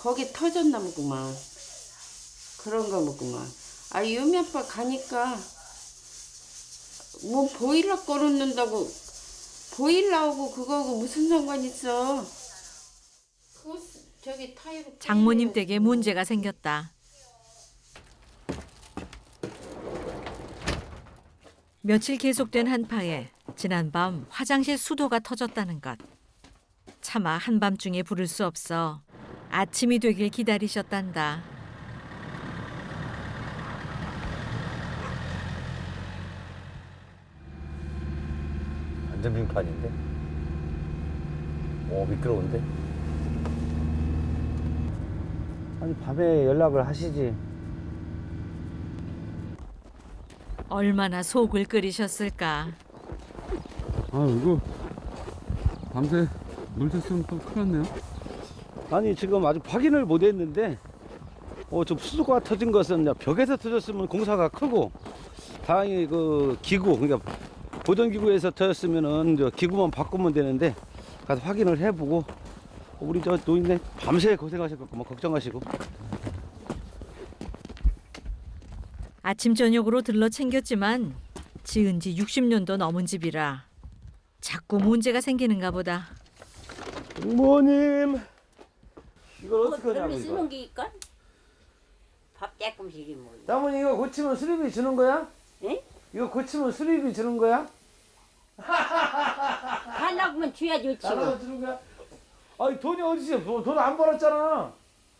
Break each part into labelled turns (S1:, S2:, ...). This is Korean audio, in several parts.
S1: 거기 터졌나 보구만. 그런가 보구만. 아, 유미 아빠 가니까 뭐 보일러 꺼놓는다고 보일러하고 그거하고 무슨 상관 있어? 그거 저기 타이로
S2: 장모님 댁에 문제가 생겼다. 며칠 계속된 한파에 지난밤 화장실 수도가 터졌다는 것. 차마 한밤중에 부를 수 없어 아침이 되길 기다리셨단다.
S3: 완전 빙판인데? 오, 미끄러운데? 아니, 밤에 연락을 하시지.
S2: 얼마나 속을 끓이셨을까.
S4: 아, 이거 밤새 물 샜으면 또 큰일 났네요.
S3: 아니, 지금 아직 확인을 못 했는데, 좀 수도가 터진 것은 벽에서 터졌으면 공사가 크고, 다행히 그 기구, 그러니까 보존기구에서 터졌으면은 저 기구만 바꾸면 되는데, 가서 확인을 해보고, 우리 저 노인네 밤새 고생하셨고, 뭐 걱정하시고.
S2: 아침 저녁으로 들러 챙겼지만 지은 지 60년도 넘은 집이라 자꾸 문제가 생기는가 보다.
S3: 부모님, 이걸 어떻게 하냐고,
S5: 쓰는
S3: 이거.
S5: 게 있건? 밥 조금씩이 뭐.
S3: 장모님, 이거 고치면 수리비 주는 거야?
S5: 응?
S3: 이거 고치면 수리비 주는 거야?
S5: 하려면 줘야 좋지.
S3: 나가서 주는 거야? 아니, 돈이 어디지? 돈 안 벌었잖아.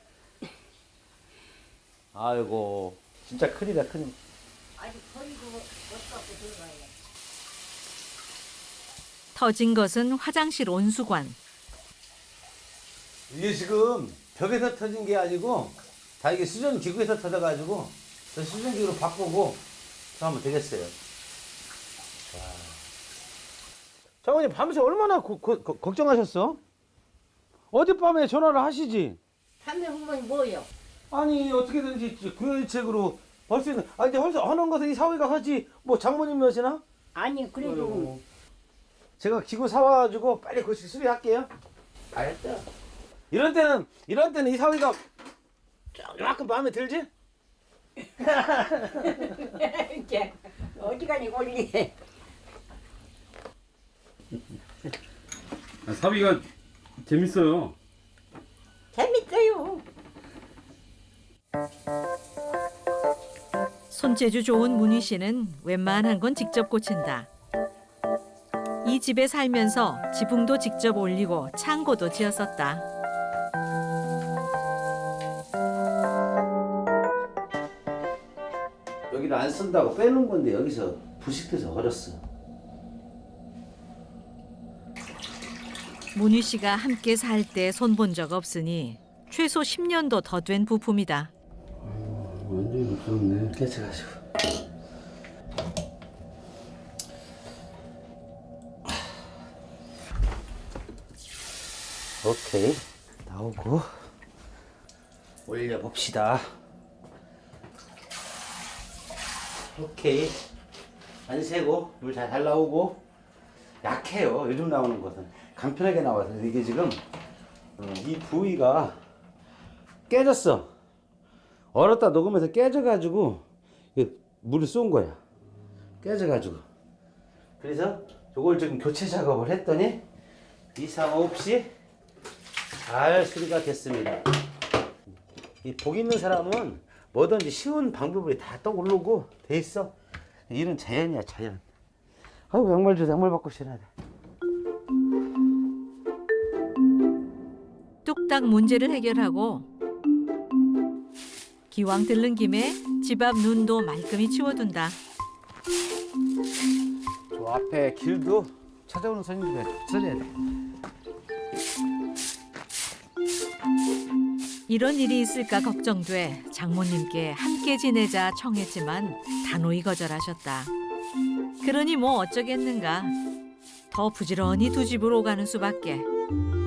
S3: 아이고, 진짜 큰일이다, 큰일.
S5: 아니 버리고 못 갖고 들어가야.
S2: 터진 것은 화장실 온수관.
S3: 이게 지금 벽에서 터진 게 아니고 다 이게 수전 기구에서 터져가지고 저 수전 기구로 바꾸고 저 하면 되겠어요. 장모님 밤새 얼마나 걱정하셨어? 어젯밤에 전화를 하시지?
S5: 담배 후보니 뭐요?
S3: 아니 어떻게든지 구현책으로 벌 수 있는. 아 근데 하는 것은 이 사위가 하지 뭐 장모님이시나?
S5: 아니 그래도
S3: 제가 기구 사와가지고 빨리 그 수리할게요.
S5: 알았어.
S3: 이런 때는 이 사위가 조금 마음에 들지?
S5: 이렇게 어디가니 올리.
S4: 아, 사위가 재밌어요.
S5: 재밌어요.
S2: 손재주 좋은 문희 씨는 웬만한 건 직접 고친다. 이 집에 살면서 지붕도 직접 올리고 창고도 지었었다.
S3: 여기를 안 쓴다고 빼놓은 건데 여기서 부식돼서 버렸어.
S2: 문희 씨가 함께 살 때 손본 적 없으니 최소 10년도 더 된 부품이다.
S4: 완전히 미끄럽네.
S3: 깨쳐가지고. 오케이, 나오고 올려봅시다. 오케이, 안 새고 물 잘 나오고. 약해요, 요즘 나오는 것은. 간편하게 나와서 이게 지금 이 부위가 깨졌어. 얼었다 녹으면서 깨져가지고 물을 쏜 거야. 깨져가지고. 그래서 이걸 지금 교체 작업을 했더니 이상 없이 잘 수리가 됐습니다. 이 복 있는 사람은 뭐든지 쉬운 방법이 다 떠오르고 돼 있어. 일은 자연이야, 자연. 아이고, 양말 줘, 양말 바꿔 신어야 돼.
S2: 뚝딱 문제를 해결하고 기왕 들른 김에 집 앞 눈도 말끔히 치워둔다.
S3: 저 앞에 길도 찾아오는 손님들에 처리해야 돼.
S2: 이런 일이 있을까 걱정돼 장모님께 함께 지내자 청했지만 단호히 거절하셨다. 그러니 뭐 어쩌겠는가. 더 부지런히 두 집을 오가는 수밖에.